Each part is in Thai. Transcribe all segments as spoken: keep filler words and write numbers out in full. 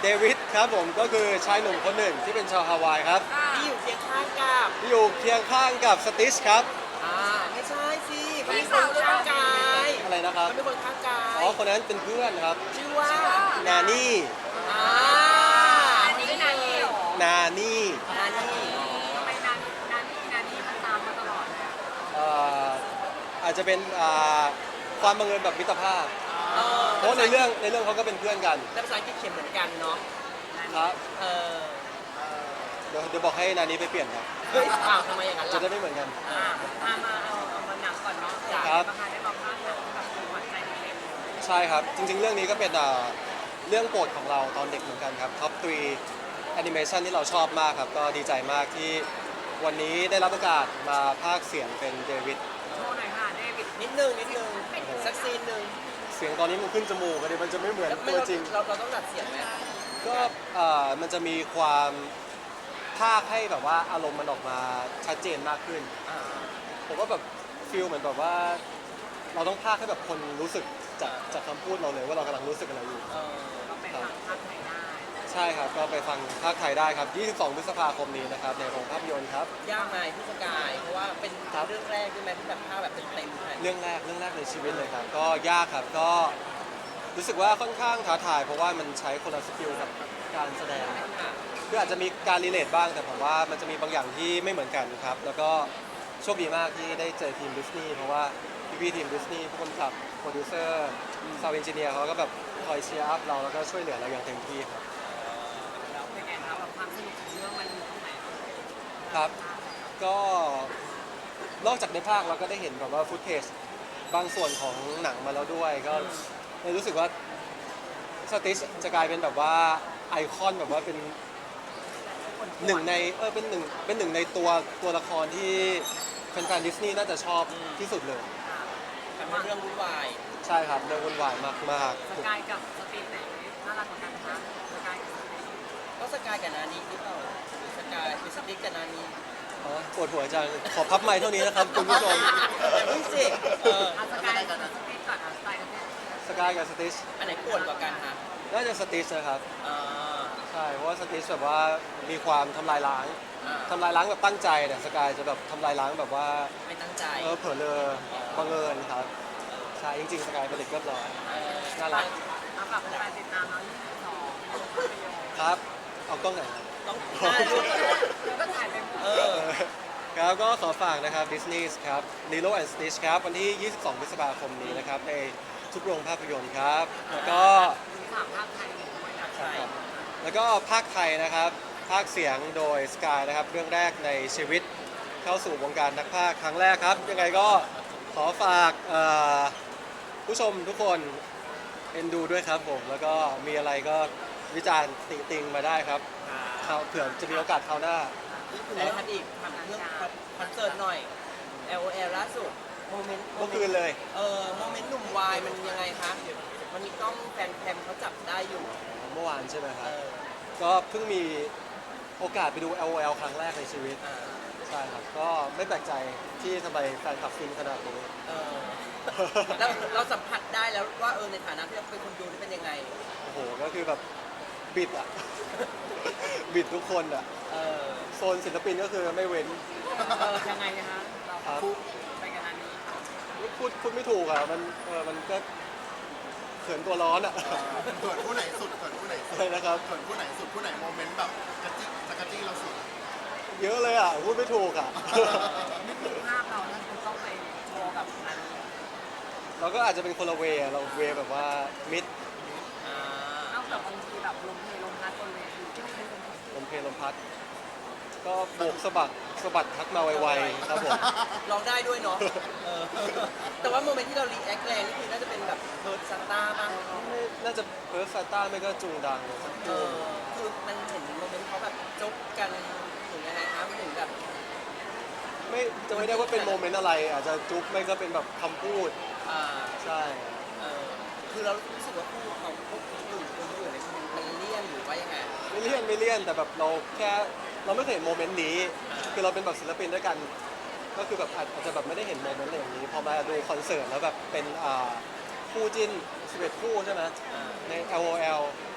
วิดครับผมก็คือชายหนุ่มคนหนึ่งที่เป็นชาวฮาวายครับที่อยู่เคียงข้างกับที่อยู่เคียงข้างกับสติชครับอ่าไม่ใช่สิเขาเป็นคนข้างกายอะไรนะครับเขาเป็นคนข้างกายอ๋อคนนั้นเป็นเพื่อนครับชื่อว่านานี่อ่าอันนี้นานี่เหรอนานี่นานี่ทำไมนานี่นานี่นานี่มันตามมาตลอดเลยอะเอ่ออาจจะเป็นอ่าความบังเอิญแบบมิตรภาพเออเพราะในเรื่องในเรื่องเขาก็เป็นเพื่อนกันแต่ภาษาอังกฤษเขียนเหมือนกันเนาะครับเออเดี๋ยวเดี๋ยวบอกให้นานี่ไปเปลี่ยนครับเฮ้ยเปล่าทำไมอย่างนั้นจะล่ะได้ไม่เหมือนกันอ่าอ่ะมาเอาเอามาหนังก่อนเนาะจ้ะครับประธานได้บอกว่าหนังแบบหวานใจเด็กใช่ครับ จริงๆ เรื่องนี้ก็เป็นอ่าเรื่องโปรดของเราตอนเด็กเหมือนกันครับท็อปทรีแอนิเมชันที่เราชอบมากครับ ก็ดีใจมากที่วันนี้ได้รับโอกาสมาพากย์เสียงเป็นเดวิดๆโชว์หน่อยค่ะเดวิดนิดนึงนิดนึงสักซีนหนึ่งเสียงตอนนี้มันขึ้นจมูกกันดิมันจะไม่เหมือนแล้วไม่ตัวเราจริงเราเราต้องดัดเสียงไหมก็เอ่อมันจะมีความพากย์ให้แบบว่าอารมณ์มันออกมาชัดเจนมากขึ้นอ่าผมว่าแบบฟิลเหมือนแบบว่า เราต้องพากย์ให้แบบคนรู้สึกจากจากคำพูดเราเลยว่าเรากำลังรู้สึกอะไรอยู่เออก็ไปฟังภาคไทยได้ใช่ครับ ก็ไปฟังภาคไทยได้ครับ ยี่สิบสอง พฤษภาคมนี้นะครับ ในโรงภาพยนตร์ครับยากไหมพี่สกายเพราะว่าเป็นครับเรื่องแรกด้วยไหมที่แบบภาพแบบเต็มๆเลยเรื่องแรก เรื่องแรกในชีวิตเลยครับ ก็ยากครับ ก็รู้สึกว่าค่อนข้างท้าทาย เพราะว่ามันใช้คนละสกิลกับการแสดงค่ะคืออาจจะมีการรีเลทบ้าง แต่ผมว่ามันจะมีบางอย่างที่ไม่เหมือนกันครับ แล้วก็โชคดีมากที่ได้เจอทีมดิสนีย์ เพราะว่าพี่ๆทีมดิสนีย์ผู้กำกับ โปรดิวเซอร์ ซาวด์เอนจิเนียร์เขาก็แบบคอยเชียร์อัพเรา แล้วก็ช่วยเหลือเราอย่างเต็มที่ครับแล้วเป็นไงคะแบบความสนุกของเรื่องมันอยู่ตรงไหนครับ ก็นอกจากในภาคเราก็ได้เห็นแบบว่าฟุตเทจบางส่วนของหนังมาแล้วด้วย ก็เลยรู้สึกว่าสติชจะกลายเป็นแบบว่าไอคอนแบบว่าเป็นหนึ่งในเออเป็นหนึ่งเป็นหนึ่งในตัวตัวละครที่แฟนๆดิสนีย์น่าจะชอบที่สุดเลยทำให้เรื่องวุ่นวายใช่ครับเรื่องวุ่นวายมากสกายกับสตีฟไหนน่ารักกว่ากันคะสกายกับสตีฟก็สกายกับนานี้หรือเปล่าหรือสกายหรือสติ๊กกับนานี้ๆอ๋อปวดหัวจังขอพับไมค์เท่านี้นะครับคุณผู้ชมอย่าเพิ่งสิเอออ่ะสกายกับสตีฟก่อนอ่ะสกายกับสตีฟสกายกับสติชอันไหนปวดกว่ากันคะน่าจะสติชนะครับอ่าใช่เพราะว่าสติชแบบว่ามีความทำลายล้างอ่าทำลายล้างแบบตั้งใจแต่สกายจะแบบทำลายล้างแบบว่าไม่ตั้งใจเออเผลอเลอบังเอิญครับใช่จริงๆสกายเป็นเด็กเรียบร้อยเออน่ารักเอาฝากแฟนๆติดตามเรายี่สิบสองภาพยนตร์ครับ เอากล้องไหนครับต้องหน้าด้วยก็ถ่ายไปหมดเออครับก็ขอฝากนะครับ Disney ครับ Lilo and Stitch ครับวันที่ ยี่สิบสอง พฤษภาคมนี้นะครับในทุกโรงภาพยนตร์ครับ แล้วก็มีสามภาคไทยอยู่ด้วยนะใช่แล้วก็ภาคไทยนะครับภาคเสียงโดยสกายนะครับเรื่องแรกในชีวิตเข้าสู่วงการนักพากย์ครั้งแรกครับ ยังไงก็ขอฝากเอ่อผู้ชมทุกคนเอ็นดูด้วยครับผม แล้วก็มีอะไรก็วิจารณ์ติติงมาได้ครับคราวเผื่อจะมีโอกาสคราวหน้าไหนทันอีกถามเรื่องคอนเสิร์ตหน่อย แอล โอ แอล ล่าสุดโมเมนต์เมื่อคืนเลยเออโมเมนต์หนุ่มวายมันยังไงคะมันมีกล้องแฟนแคมเขาจับได้อยู่เมื่อวานใช่ไหมคเอรับอก็เพิ่งมีโอกาสไปดู แอล โอ แอล ครั้งแรกในชีวิตอ่าใช่ครับ ก็ไม่แปลกใจที่ทำไมแฟนคลับฟินขนาดนี้เออแล้วเราสัมผัสได้แล้วว่าเออในฐานะที่เราเป็นคนดูนี่เป็นยังไงโอ้โห ก็คือแบบบิดอ่ะ บิดทุกคนอ่ะเออโซนศิลปินก็คือไม่เว้นเออยังไงนะคะเราครับไปกันอันนี้ค่ะพูดพูดไม่ถูกอ่ะ มันเออมันก็เขินตัวร้อนอ่ะเขินผู้ไหนสุดเขินผู้ไหนสุอะไรดนะครับเขินผู้ไหนสุดผู้ไหนโมเมนต์แบบกระจิกจะกระจี้เราสุดเยอะเลยอ่ะ พูดไม่ถูกอ่ะนึกถึงภาพเราแล้วคุณต้องไปโชว์กับอันนี้เราก็อาจจะเป็นคนละเวย์อะเราเวย์แบบว่ามิดอ่านอกจากบางทีแบบลมเพลลมพัดบนเวทีที่ไม่เป็นลมเพลลมเพลลมพัด ก็โบกสะบัดสะบัดทักมาไวๆครับผมร้องได้ด้วยเนาะเออแต่ว่าโมเมนต์ที่เรารีแอคแรงนี่คือน่าจะเป็นแบบเพิร์ดซันต้าบ้างไม่น่าจะเพิร์ฟซาต้าไม่ก็จุงดังสักเอตัวอคือมันเห็นโมเมนต์เขาแบบจบกันถึงยังไงคะไม่ถึงแบบไม่จะไม่ได้ว่าเป็นโมเมนต์อะไร อาจจะจุ๊บไม่ก็เป็นแบบคำพูดอ่าใช่เออคือเรารู้สึกว่าคู่ของพวกอื่นคนอื่นเนี่ยมันเลี่ยนหรือว่ายังไงไม่เลี่ยนไม่เลี่ยนแต่แบบเราแค่เราไม่เคยเห็นโมเมนต์นี้ คือเราเป็นแบบศิลปินด้วยกัน ก็คือแบบอาจอาจจะแบบไม่ได้เห็นโมเมนต์อะไรอย่างนี้ พอมาดูคอนเสิร์ตแล้วแบบเป็นอ่าคู่จิ้นสิบเอ็ดคู่ใช่ไหมอ่าใน แอล โอ แอล ใช่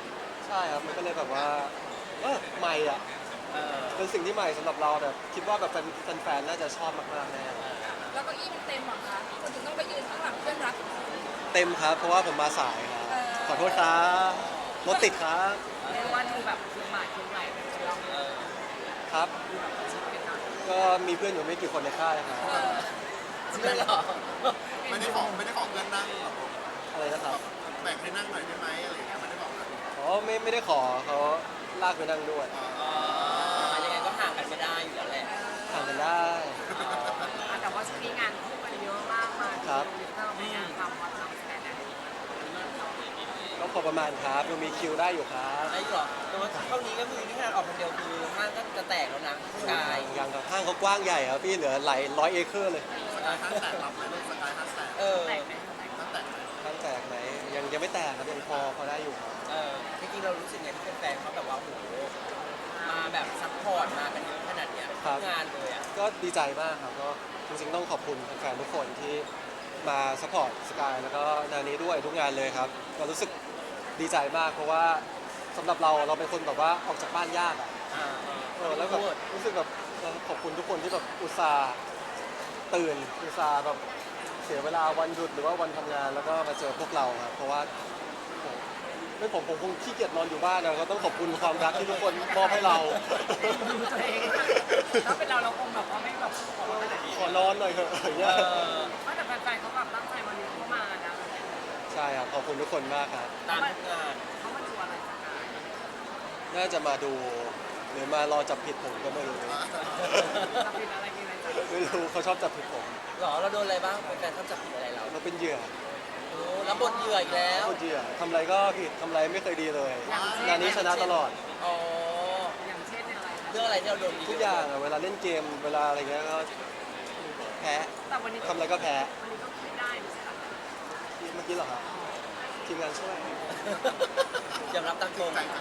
ใช่ครับมันก็เลยแบบว่าเออใหม่อ่ะเออเป็นสิ่งที่ใหม่สำหรับเราแบบคิดว่าแบบแฟนๆน่าจะชอบมากๆแน่แล้วเก็อี้มันเต็มเหรอคะคนถึงต้องไปยืนข้างหลังเพื่อนรักเต็มครับเพราะว่าผมมาสายครับขอโทษครับรถติดครับเรียกว่าดูแบบคือหมายคือใหม่เป็นคนเราเออครับ ก็มีเพื่อนอยู่ไม่กี่คนในค่ายครับเออจริงเหรอไม่ได้ขอไม่ได้ขอเพื่อนนั่งหรอกอะไรนะครับแบ่งให้นั่งหน่อยได้ไหมอะไรอย่างเงี้ยไม่ได้บอกนะอ๋อไม่ไม่ได้ขอเขาลากไปนั่งด้วยอ๋อยังไงก็ห่างกันไม่ได้อยู่แล้วแหละห่างกันได้แต่ว่าช่วงนี้งานคู่กันเยอะมากมาครับเริ่มมีงานทำวันทำแสดงก็พอประมาณครับยังมีคิวได้อยู่ครับไอ้หรอแต่ว่าเท่านี้ก็คือที่ขนาดออกคนเดียวคือห้างก็จะแตกแล้วนะกายยังครับห้างเขากว้างใหญ่ครับพี่เหลือหลายร้อยเอเคอร์เลยสกายห้างแตกรับไหมลูกสกายห้างแตกเออแตกไหมแตกห้างแตกไหมห้างแตกไหมยังยังไม่แตกครับยังพอพอได้อยู่ครับเออจริงๆเรารู้สึกไงที่แฟนๆเขาแบบว่าโอ้โหมาแบบซัพพอร์ตมากันเยอะขนาดเนี้ยทุกงานเลยอ่ะก็ดีใจมากครับก็จริงๆต้องขอบคุณแฟนๆทุกคนที่มาสปอร์ตสกายแล้วก็นานี้ด้วยทุกงานเลยครับก็รู้สึกดีใจมากเพราะว่าสำหรับเราเราเป็นคนแบบว่าออกจากบ้านยากอ่ะอ่าเออแล้วแบบรู้สึกแบบเราขอบคุณทุกคนที่แบบอุตส่าห์ตื่นอุตส่าห์แบบเสียเวลาวันหยุดหรือว่าวันทำงานแล้วก็มาเจอพวกเราครับเพราะว่าโอ้ไม่ผมผมคงขี้เกียจนอนอยู่บ้านนะก็ต้องขอบคุณความรักที่ทุกคนมอบให้เราดูตัวเองถ้าเป็นเราเราคงแบบว่าไม่แบบขอขนาดนี้ขอนอนหน่อยเถอะอย่างเอเงี้ยอแต่แฟนๆเขาแบบตั้งใจมาเลี้ยงเข้ามานะใช่ครับขอบคุณทุกคนมากครับตามทุกงานเขามาดูอะไรสักการน่าจะมาดูหรือมารอจับผิดผมก็ไม่รู้จะเป็นอะไรกินอะไรจ้ะไม่รู้เขาชอบจับผิดผมหรอเราโดนอะไรบ้างแฟนๆเขาจับผิดอะไรเราเราเป็นเหยื่อโอ้รับบทเหยื่ออีกแล้วคนเหยื่อทำอะไรก็ผิดทำอะไรไม่เคยดีเลยงานนี้ชนะตลอดอ๋ออย่างเช่นอะไรนะเรื่องอะไรที่เราโดนทุกอย่างอะเวลาเล่นเกมเวลาอะไรเงี้ยก็แพ้แต่วันนี้ทำอะไรก็แพ้วันนี้ก็ไม่ได้ไม่ใช่หรอเมื่อกี้เหรอครับทีมงานช่วยยอมรับตามตรงอ่า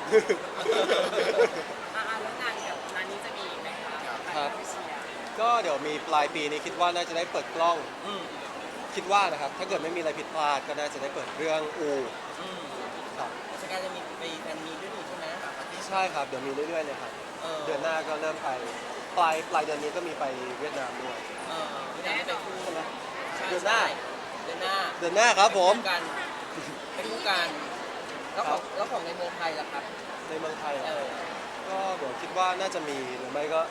แล้วงานกับร้านนี้จะมีไหมคะครับไปเชียร์ก็เดี๋ยวมีปลายปีนี้คิดว่าน่าจะได้เปิดกล้องอืมคิดว่านะครับถ้าเกิดไม่มีอะไรผิดพลาดก็น่าจะได้เปิดเรื่องอูอืมครับสกายจะมีไปแฟนมีด้วยนี่ใช่ไหมใช่ครับเดี๋ยวมีเรื่อยๆเลยครับเออเดือนหน้าก็เริ่มไปปลายปลายเดือนนี้ก็มีไปเวียดนามด้วยเออไม่ได้ไปคู่ใช่ไหมใช่เดือนหน้าเดือนหน้าเดือนหน้าครับผมไปคู่กันไปคู่กันแล้วของแล้วของในเมืองไทยล่ะครับในเมืองไทยเหรเอออก็เดี๋ยวคิดว่าน่าจะมีหรือไม่ก็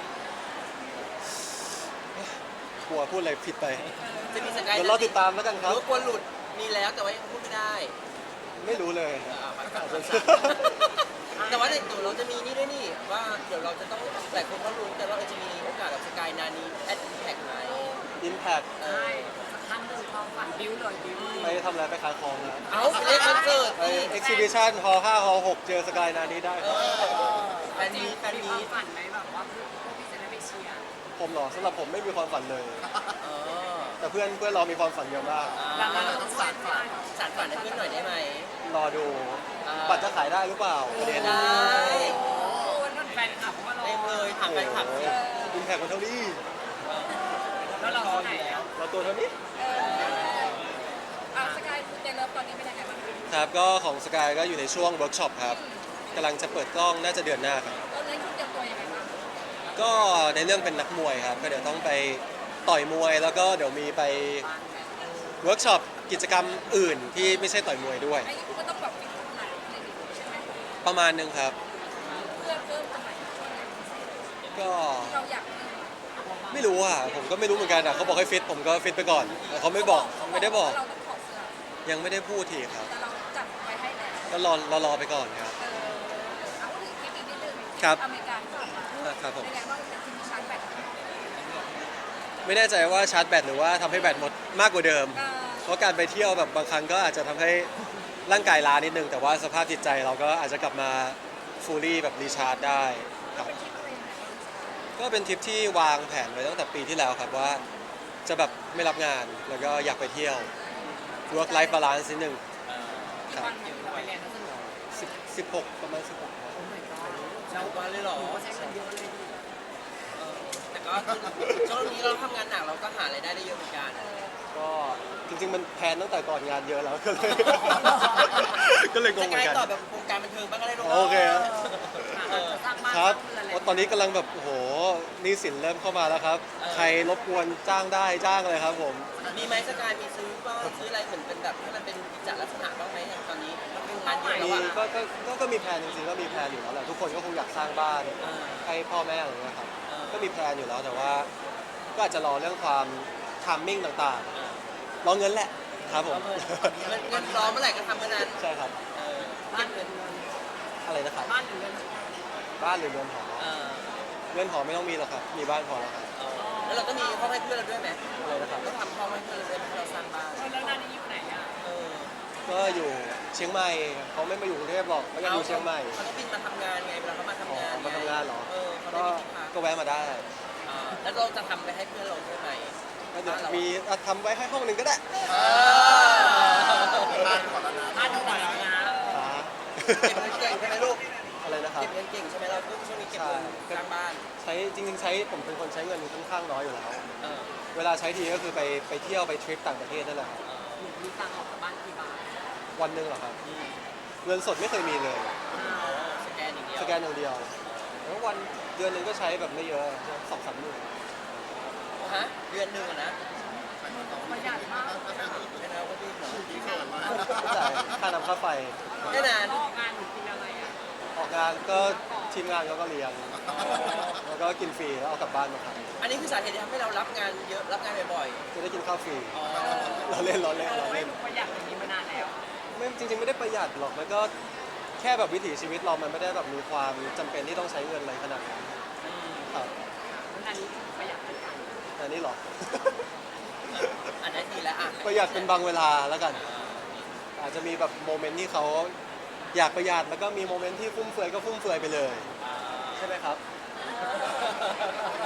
กลัวพูดอะไรผิดไปจะมีสกายเดี๋ยวเราติดตามแล้วกันครับรู้กลัวหลุดมีแล้วแต่ว่ายังพูดไม่ได้ไม่รู้เลยเออเอาไปก่อนแต่ว่าเดี๋ยวเราจะมีนี่ด้วยนี่ว่าเดี๋ยวเราจะต้องหลายคนเขารู้แต่ว่าเราจะมีโอกาสกับสกายนานี้แอดแท็กไหมอิมแพคเอใช่อสักครั้งหนึ่งความฝันบิ้วเลยบิ้วไปทำอะไรไปขายของนะเอาไปเล่นคอนเสิร์ตไปเอ็กซิบิชันฮอลล์ห้าฮอลล์หกเจอสกายนานี้ได้เอครับอแฟนจริมีงแฟนมีคมีวามฝันไหมแบบว่าพวกพี่จะได้ไปเชียร์ผมเหรอสำหรับผมไม่มีความฝันเลยเออแต่เพื่อนเพื่อนเรามีความฝันเยอะมากดังนั้นอ่าเราต้องสานฝันสารฝันให้เพื่อนหน่อยได้ไหมรอดูอ่าบัตรจะขายได้หรือเปล่าประเด็นได้โอ้นั่นแฟนคลับมารอเต็มเลยถามแฟนคลับสิอิมแพคมันเท่านี้เออแล้วเรารอเท่าอไหร่ยู่แล้วเราตัวเท่านี้เอออ่ะสกายเจเลิฟตอนนี้เป็นยังไงบ้างครับก็ของสกายก็อยู่ในช่วงเวิร์กช็อปครับกำลังจะเปิดกล้องน่าจะเดือนหน้าครับตอนนี้คุณเตรียมตัวยังไงบ้างก็ในเรื่องเป็นนักมวยครับก็เดี๋ยวต้องไปต่อยมวย แล้วก็เดี๋ยวมีไปเวิร์กช็อปกิจกรรมอื่นที่ไม่ใช่ต่อยมวยด้วยไอ้นี่คุณก็ต้องแบบฟิตขนาดในนี้ใช่ไหมประมาณนึงครับเพื่อเพิ่มตรงไหนช่วงไหนพิเศษก็ที่เราอยากมีไม่รู้อ่ะผมก็ไม่รู้เหมือนกันอ่ะเขาบอกให้ฟิตผมก็ฟิตไปก่อนแต่เขาไม่บอกไม่ได้บอกเราต้องถอดเสื้อยังไม่ได้พูดทีครับแต่เราจัดไว้ให้แล้วก็รอรอรอไปก่อนครับเออเอาพูดถึงคลิปอีกนิดนึงครับอเมริกาที่ผ่านมาอ่ะครับผมเป็นไงบ้างเป็นทีมชาร์จแบตไม่แน่ใจว่าชาร์จแบตหรือว่าทำให้แบตหมดมากกว่าเดิมเออเพราะการไปเที่ยวแบบบางครั้งก็อาจจะทำให้ร่างกายล้านิดนึง แต่ว่าสภาพจิตใจเราก็อาจจะกลับมาฟูลี่แบบรีชาร์จได้ครับเป็นทริปอะไรยังไงบ้างก็เป็นทริปที่วางแผนไว้ตั้งแต่ปีที่แล้วครับว่าจะแบบไม่รับงานแล้วก็อยากไปเที่ยว work life balance นิดนึงเออกี่วันอยู่เราไปเรียนทัศนศึกษาสิบสิบหกประมาณสิบหกครับโอ้ my god เราวันเลยเหรอโอ้ใช้เงินเยอะเลยดิเออแต่ก็ช่วงนี้เราทำงานหนักเราก็หารายได้ได้เยอะเหมือนกันเออก็จริง ๆ มันแพลนตั้งแต่ก่อนงานเยอะแล้วก็เลย ก็เลยงสงเหมืกาอย นกันตอบแบบวงการบันเทิงบ้างก็ได้ลูกโอเคครับเออสร้างบ้านครับสร้างเรือนอะไรโอ้ตอนนี้กำลังแบบโอ้โหหนี่สินเริ่มเข้ามาแล้วครับ ใครรบกวนจ้างได้จ้างเลยครับผมมีไหมสกายมีซื้อบ้างซื้ออะไรเหมือนเป็นแบบให้มันเป็นกิจลักษณะบ้างไหมอย่างตอนนี้มันเป็นงานเยอะแล้วมีอะก็ก็ก็ก็มีแพลนจริงๆก็มีแพลนอยู่แล้วแหละทุกคนก็คงอยากสร้างบ้านเออให้พ่อแม่อะไรเงี้ยครับเออก็มีแพลนอยู่แล้วแต่ว่า ก็อาจจะรอเรื่องความทามมิ่งต่างเออๆรอเงินแหละครับผมเงินเงินรอเมื่อไหร่ก็ทำเมื่อนั้นใช่ครับเออบ้านหรือเรือนอะไรนะครับบ้านหรือเรือนบ้านหรือเรือนหอเออเรือนหอไม่ต้องมีหรอกครับมีบ้านพอแล้วครับเออแล้วเราก็มีห้องให้เพื่อนเราด้วยไหมอะไรนะครับต้องทำห้องให้เพื่อนเราด้วยให้เราสร้างบ้านเออแล้วนานี้อยู่ไหนอ่ะเออก็อยู่เชียงใหม่เขาไม่มาอยู่กรุงเทพหรอกเขาอยากอยู่เชียงใหม่เขาต้องบินมาทำงานไงเวลาเขามาทำงานอ๋อมาทำงานเหรอเออเขาก็ได้มีที่พักก็แวะมาได้เออแล้วเราจะทำไปให้เพื่อนเราด้วยไหมก็เดี๋ยวมีอ่ะทำไว้ให้ห้องหนึ่งก็ได้เออบ้านก่อนแล้วนะบ้านอยู่ไหนนะอ่าเก็บเงินเก่งใช่ไหมลูกอะไรนะครับเก็บเงินเก่งใช่ไหมเราลูกช่วงนี้เก็บเงินใช่สร้างบ้านใช้จริงๆใช้ผมเป็นคนใช้เงินค่อนข้างน้อยอยู่แล้วเออเวลาใช้ทีก็คือไปไปเที่ยวไปทริปต่างประเทศนั่นแหละครับหนูมีตังค์ออกจากบ้านกี่บาทวันหนึ่งเหรอครับอืมเงินสดไม่เคยมีเลยอ๋อสแกนอย่างเดียวสแกนอย่างเดียวแล้ววันเดือนหนึ่งก็ใช้แบบไม่เยอะสองสามหมื่นฮะเดือนหนึ่งอะนะประหยัดมากไม่นะว่าพี่เหรอที่เขินมากก็จ่ายค่าน้ำค่าไฟไม่นานออกงานหนูกินอะไรอ่ะออกงานก็ทีมงานเขาก็เลี้ยงแล้วก็กินฟรีแล้วเอากลับบ้านมาทอันนี้คือสาเหตุที่ทำให้เรารับงานเยอะรับงานบ่อยำจะได้กินข้าวฟรีๆอ๋อเราเล่นเราเล่นเออเราไม่เล่นหนูประหยัดอย่างนี้มานานแล้วไม่จริงๆไม่ได้ประหยัดหรอกมันก็แค่แบบวิถีชีวิตเรามันไม่ได้แบบมีความจำเป็นที่ต้องใช้เงินอะไรขนาดนั้นอืมครับแล้วนานี้ประหยัดเหมือนกันอันนี้หรออันนี้ดีแล้วอ่ะประหยัดเป็นบางเวลาแล้วกัน อาจจะมีแบบโมเมนต์ที่เขาอยากประหยัดแล้วก็มีโมเมนต์ที่ฟุ่มเฟือยก็ฟุ่มเฟือยไปเลยอ่าใช่ไหมครับ